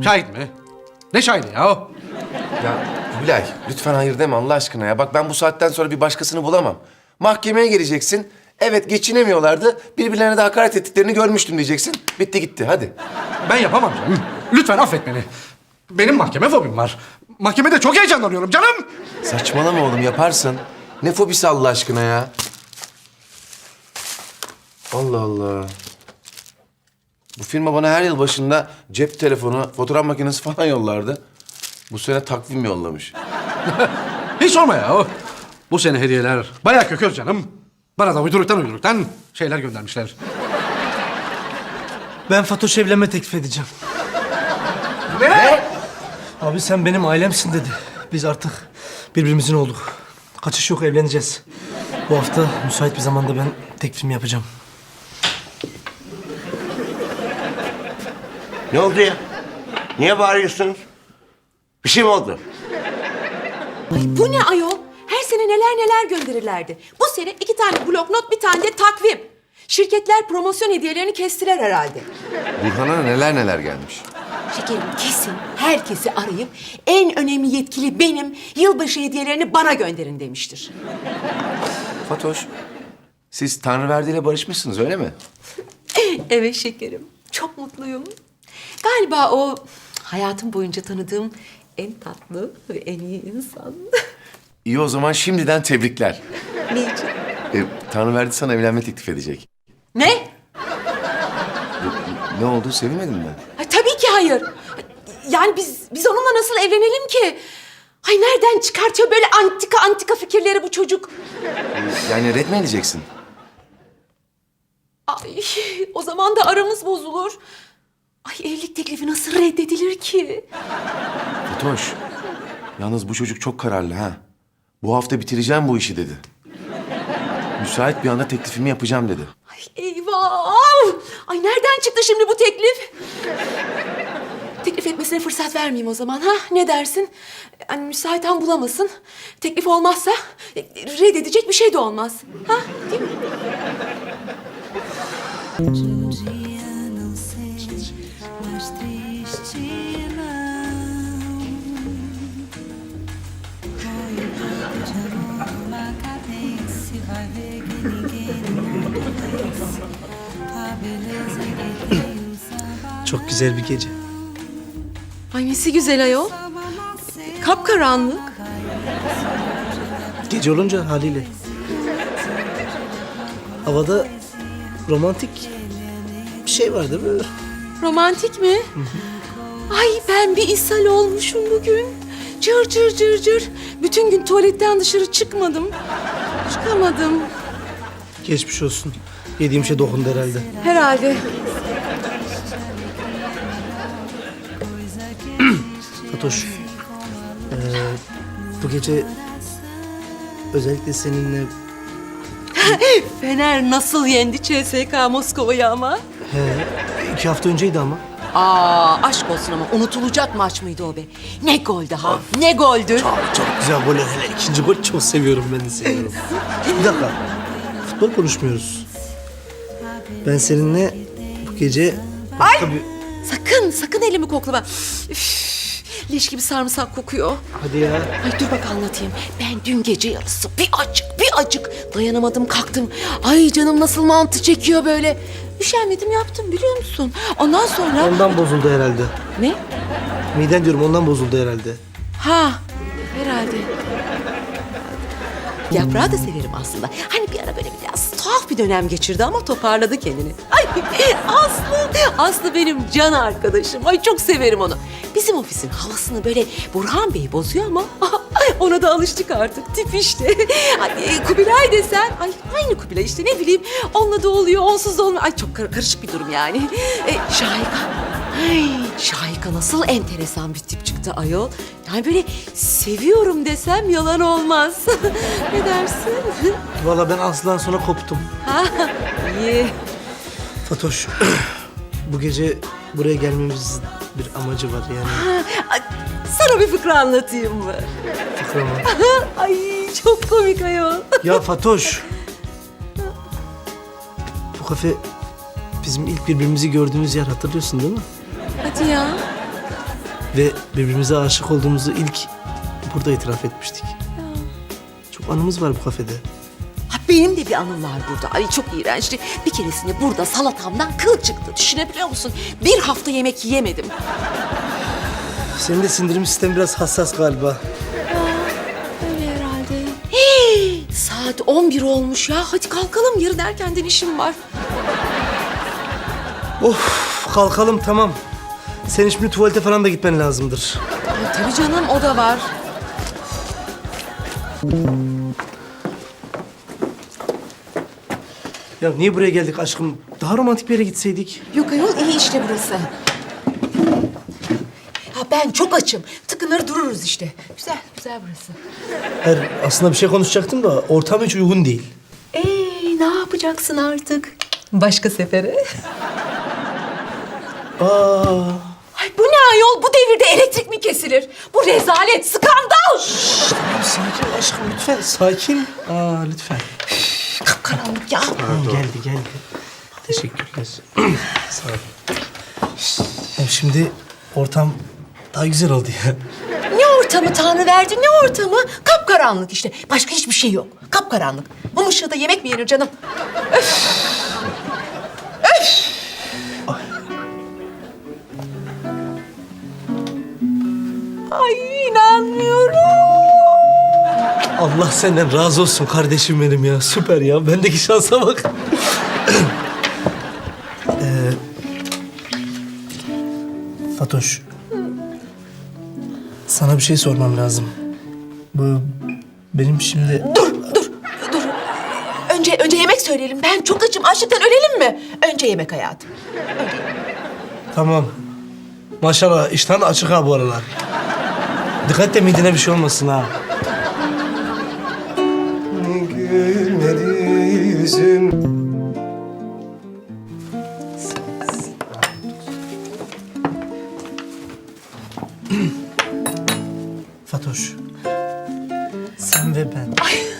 Şahit mi? Ne şahidi ya o? Ya Kubilay, lütfen hayır deme Allah aşkına ya. Bak ben bu saatten sonra bir başkasını bulamam. Mahkemeye geleceksin. Evet geçinemiyorlardı. Birbirlerine de hakaret ettiklerini görmüştüm diyeceksin. Bitti gitti hadi. Ben yapamam canım. Lütfen affet beni. Benim mahkeme fobim var. Mahkemede çok heyecanlanıyorum canım. Saçmalama oğlum yaparsın. Ne fobisi Allah aşkına ya? Allah Allah. Bu firma bana her yıl başında cep telefonu, fotoğraf makinesi falan yollardı. Bu sene takvim yollamış. Hiç sorma ya o. Bu sene hediyeler bayağı kökör canım. Bana da uyduruktan şeyler göndermişler. Ben Fatoş'a evlenme teklif edeceğim. Ne? Abi sen benim ailemsin dedi. Biz artık birbirimizin olduk. Kaçış yok, evleneceğiz. Bu hafta müsait bir zamanda ben teklifimi yapacağım. Ne oldu ya? Niye bağırıyorsunuz? Bir şey mi oldu? Ay bu ne ayol? Her sene neler gönderirlerdi. Bu sene 2 tane bloknot, bir tane de takvim. Şirketler promosyon hediyelerini kestiler herhalde. Burhan'a neler gelmiş. Şekerim kesin herkesi arayıp en önemli yetkili benim, yılbaşı hediyelerini bana gönderin demiştir. Fatoş, siz Tanrıverdi ile barışmışsınız öyle mi? Evet şekerim, çok mutluyum. Galiba o hayatım boyunca tanıdığım en tatlı ve en iyi insan. İyi o zaman şimdiden tebrikler. Ne için? Tanrıverdi sana evlenme teklif edecek. Ne? Ne oldu sevinmedin mi? Ay, tabii ki hayır. Yani biz onunla nasıl evlenelim ki? Ay nereden çıkartıyor böyle antika fikirleri bu çocuk? Yani red mi edeceksin? Ay o zaman da aramız bozulur. Ay evlilik teklifi nasıl reddedilir ki? Fatoş, yalnız bu çocuk çok kararlı ha. Bu hafta bitireceğim bu işi dedi. Müsait bir anda teklifimi yapacağım dedi. Ay eyvah! Ay nereden çıktı şimdi bu teklif? Teklif etmesine fırsat vermeyeyim o zaman ha? Ne dersin? Yani müsait an bulamasın. Teklif olmazsa reddedecek bir şey de olmaz. Ha? Değil mi? Um dia não sei, mas triste não. Põe um pouco de amor numa cadência, vai ver que ninguém no mundo vence a beleza que tem o samba. Çok güzel bir gece. Ay nesi güzel ayol. Kapkaranlık. Gece olunca haliyle. Havada romantik bir şey var değil mi? Romantik mi? Ay ben bir ishal olmuşum bugün. Cır. Bütün gün tuvaletten dışarı çıkmadım. Çıkamadım. Geçmiş olsun. Yediğim şey dokundu herhalde. Herhalde. Fatoş, bu gece özellikle seninle... Fener nasıl yendi CSKA Moskova'yı ama? 2 hafta önceydi ama. Aşk olsun ama unutulacak maç mıydı o be? Ne goldü ha? Ne goldü? Çok güzel gol. Hele ikinci gol çok seviyorum, ben de seviyorum. Bir dakika. Futbol konuşmuyoruz. Ben seninle bu gece başka bir... Sakın elimi koklama. Üf, leş gibi sarımsak kokuyor. Hadi ya. Ay dur bak anlatayım. Ben dün gece yarısı bir acık dayanamadım kalktım. Ay canım nasıl mantı çekiyor böyle. Üşenmedim yaptım biliyor musun? Ondan sonra... Ondan bozuldu herhalde. Ne? Miden diyorum, ondan bozuldu herhalde. Ha herhalde. Yaprağı da severim aslında. Hani bir ara böyle biraz tuhaf bir dönem geçirdi ama toparladı kendini. Ay Aslı benim can arkadaşım. Ay çok severim onu. Bizim ofisin havasını böyle Burhan Bey bozuyor ama ona da alıştık artık. Tip işte. Ay, Kubilay desen, ay aynı Kubilay işte ne bileyim. Onunla da oluyor, onsuz da olmuyor. Ay çok karışık bir durum yani. Şahika. Ay, Şahika nasıl enteresan bir tip çıktı ayol. Yani böyle seviyorum desem yalan olmaz. Ne dersin? Vallahi ben Aslı'dan sonra koptum. Ha, iyi. Fatoş, bu gece buraya gelmemizin bir amacı var yani. Ay, sana bir fıkra anlatayım mı? Fıkra mı? Ay çok komik ayol. Ya Fatoş. Bu kafe bizim ilk birbirimizi gördüğümüz yer, hatırlıyorsun değil mi? Hadi ya. Ve birbirimize aşık olduğumuzu ilk burada itiraf etmiştik. Çok anımız var bu kafede. Ha, benim de bir anım var burada. Ay çok iğrençti. Bir keresinde burada salatamdan kıl çıktı. Düşünebiliyor musun? Bir hafta yemek yiyemedim. Senin de sindirim sistemi biraz hassas galiba. Öyle herhalde. Saat 11 olmuş ya. Hadi kalkalım. Yarın erkenden işim var. Of, kalkalım tamam. Senin şimdi tuvalete falan da gitmen lazımdır. Ay, tabii canım, o da var. Ya niye buraya geldik aşkım? Daha romantik bir yere gitseydik. Yok ayol, iyi işte burası. Ha, ben çok açım. Tıkınır dururuz işte. Güzel, güzel burası. Hayır, aslında bir şey konuşacaktım da ortam hiç uygun değil. Ne yapacaksın artık? Başka sefere. Aa, Ay bu ne ayol? Bu devirde elektrik mi kesilir? Bu rezalet, skandal! sakin aşkım lütfen. Sakin. Lütfen. Kapkaranlık ya. Tamam, geldi. Teşekkürler. Sağ ol. Hem şimdi ortam daha güzel oldu ya. Ne ortamı Tanrı verdi, ne ortamı? Kapkaranlık işte. Başka hiçbir şey yok. Kapkaranlık. Mum ışığında yemek mi yenir canım? Ay inanmıyorum. Allah senden razı olsun kardeşim benim ya. Süper ya. Bendeki şansa bak. Fatoş. Sana bir şey sormam lazım. Bu benim şimdi... Dur. Önce yemek söyleyelim. Ben çok açım. Açlıktan ölelim mi? Önce yemek hayatım. Tamam. Maşallah iştahın açık ha bu aralar. Dikkat de midene bir şey olmasın ha. Gülmedi yüzüm. Fatoş. Sen ve ben.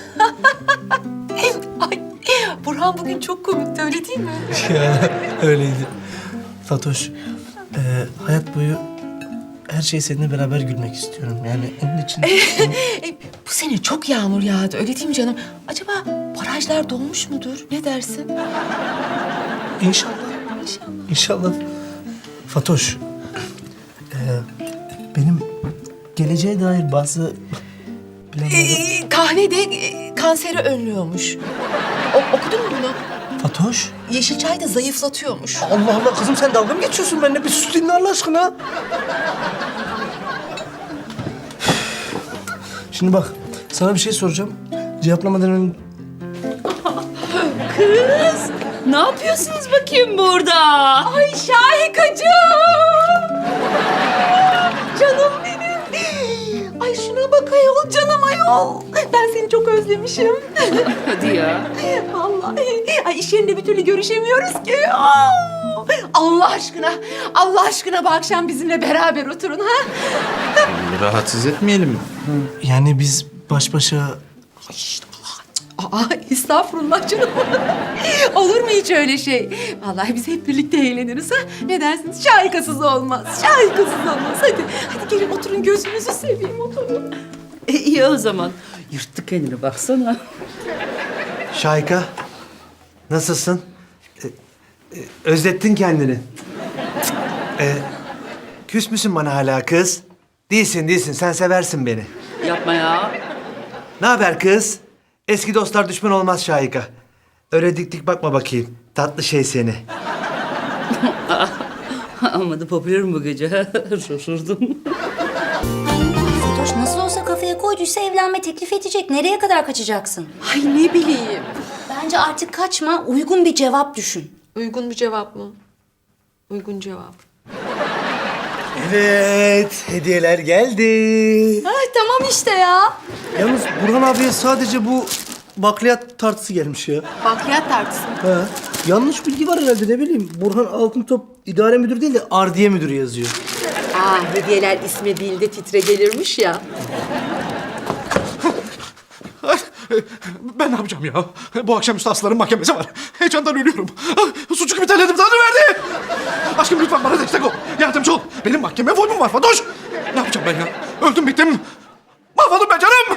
Ay, Burhan bugün çok komikti, öyle değil mi? Ya öyleydi. Fatoş, hayat boyu her şeyi seninle beraber gülmek istiyorum. Yani onun için... Bu sene çok yağmur yağdı, öyle değil mi canım? Acaba barajlar dolmuş mudur? Ne dersin? İnşallah. İnşallah. Fatoş, benim geleceğe dair bazı planlarım... Kahve de kanseri önlüyormuş. Okudun mu bunu? Fatoş, Yeşil çay da zayıflatıyormuş. Allah Allah kızım sen dalga mı geçiyorsun benimle? Bir sus dinle Allah aşkına. Şimdi bak, sana bir şey soracağım. Cevaplamadan önce... Kız, ne yapıyorsunuz bakayım burada? Ay Şahikacığım! Canım benim! Ay şuna bak ayol, canım ayol! Ben seni çok özlemişim. Hadi ya. Vallahi. Ay iş yerinde bir türlü görüşemiyoruz ki. Allah aşkına bu akşam bizimle beraber oturun ha. Rahatsız etmeyelim. Yani biz baş başa... Estağfurullah canım. Olur mu hiç öyle şey? Vallahi biz hep birlikte eğleniriz ha. Ne dersiniz? Şahikasız olmaz. Hadi gelin oturun, gözünüzü seveyim, oturun. İyi o zaman. Yırttı kendini baksana. Şahika, nasılsın? Özlettin kendini. Küs müsün bana hala kız? Değilsin, sen seversin beni. Yapma ya. Ne haber kız? Eski dostlar düşman olmaz Şahika. Öyle dik dik bakma bakayım. Tatlı şey seni. Ama da popülerim bu gece. Şaşırdım. Fatoş nasıl olsa kafaya koyduysa evlenme teklif edecek. Nereye kadar kaçacaksın? Ay ne bileyim. Bence artık kaçma, uygun bir cevap düşün. Uygun bir cevap mı? Uygun cevap. Evet, hediyeler geldi. Ay tamam işte ya. Yalnız Burhan abiye sadece bu bakliyat tartısı gelmiş ya. Bakliyat tartısı. Ha. Yanlış bilgi var herhalde, ne bileyim. Burhan Altıntop idare müdürü değil de ardiye müdürü yazıyor. Hediyeler ismi değil de titre gelirmiş ya. Ben ne yapacağım ya? Bu akşamüstü Aslı'nın mahkemesi var. Heyecandan ölüyorum. Suçu kimi terledim, Tanrı verdi. Aşkım lütfen bana destek ol. Yardımcı ol. Benim mahkemeye formum var Fatoş. Ne yapacağım ben ya? Öldüm bittim. Mahvoldum ben canım.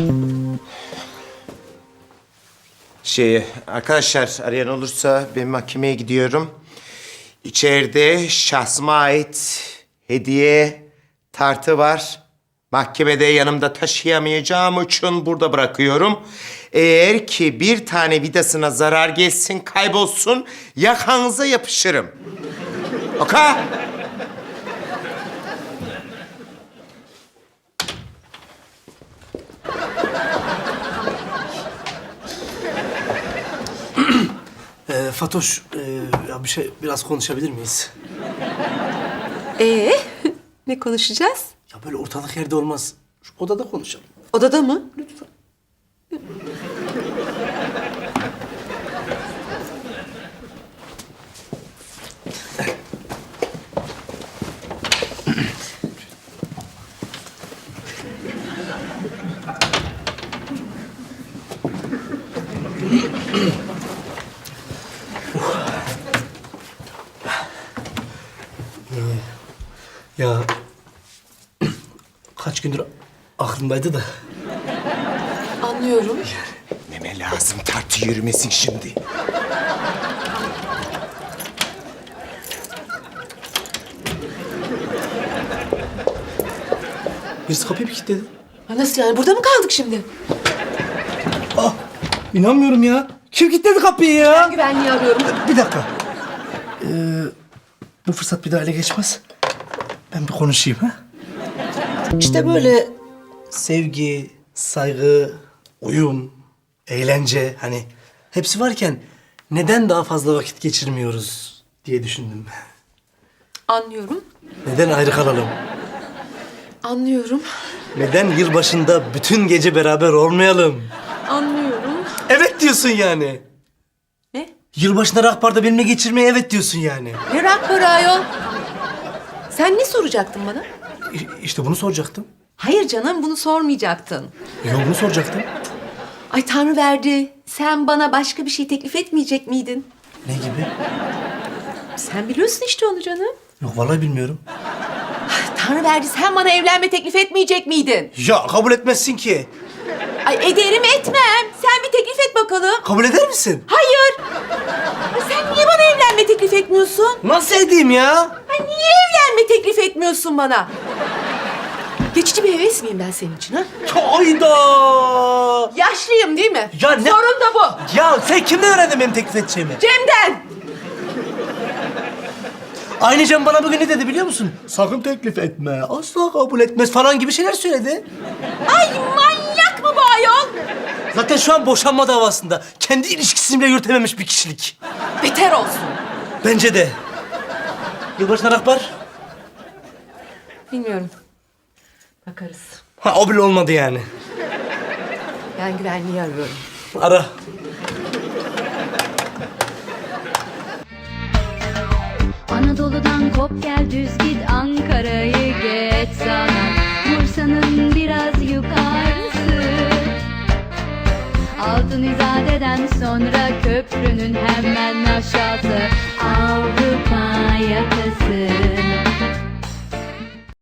Arkadaşlar arayan olursa ben mahkemeye gidiyorum. İçeride şahsıma ait hediye tartı var. Mahkemede yanımda taşıyamayacağım için burada bırakıyorum. Eğer ki bir tane vidasına zarar gelsin, kaybolsun, yakanıza yapışırım. Okey? Fatoş, ya biraz konuşabilir miyiz? Ne konuşacağız? Ya böyle ortalık yerde olmaz. Şu odada konuşalım. Odada mı? Lütfen. Ya kaç gündür aklımdaydı da. Anlıyorum. Neme lazım tartı yürümesin şimdi. Birisi kapıyı bir kilitledi. Ha, nasıl yani? Burada mı kaldık şimdi? Ah, inanmıyorum ya. Kim kilitledi kapıyı ya? Ben güvenliği arıyorum. Bir dakika. Bu fırsat bir daha ele geçmez. Ben bir konuşayım ha. İşte böyle sevgi, saygı, uyum, eğlence hani hepsi varken neden daha fazla vakit geçirmiyoruz diye düşündüm. Anlıyorum. Neden ayrı kalalım? Anlıyorum. Neden yılbaşında bütün gece beraber olmayalım? Anlıyorum. Evet diyorsun yani. Ne? Yılbaşında rock barda benimle geçirmeye evet diyorsun yani. Ne rakları ayol? Sen ne soracaktın bana? İşte bunu soracaktım. Hayır canım, bunu sormayacaktın. Yolunu soracaktım. Ay Tanrı verdi. Sen bana başka bir şey teklif etmeyecek miydin? Ne gibi? Sen biliyorsun işte onu canım. Yok vallahi bilmiyorum. Tanrı verdi, sen bana evlenme teklif etmeyecek miydin? Ya kabul etmezsin ki. Ay ederim etmem. Sen bir teklif et bakalım. Kabul eder misin? Hayır. Ay sen niye bana evlenme teklif etmiyorsun? Nasıl edeyim ya? Ay niye evlenme teklif etmiyorsun bana? Geçici bir heves miyim ben senin için ha? Hayda! Yaşlıyım değil mi? Ya ne- Sorun da bu. Ya sen kimden öğrendin benim teklif edeceğimi? Cem'den. Aynı Cem bana bugün ne dedi biliyor musun? Sakın teklif etme, asla kabul etmez falan gibi şeyler söyledi. Ay manyak mı bu ayol? Zaten şu an boşanma davasında. Kendi ilişkisini bile yürütememiş bir kişilik. Beter olsun. Bence de. Yılbaşına rock bar? Bilmiyorum. Bakarız. Ha o bile olmadı yani. Ben güvenliği arıyorum. Ara. Anadolu'dan kop gel düz git Ankara'yı geç sana Bursa'nın biraz yukarısı Altın İzade'den sonra köprünün hemen aşağısı Avrupa yakası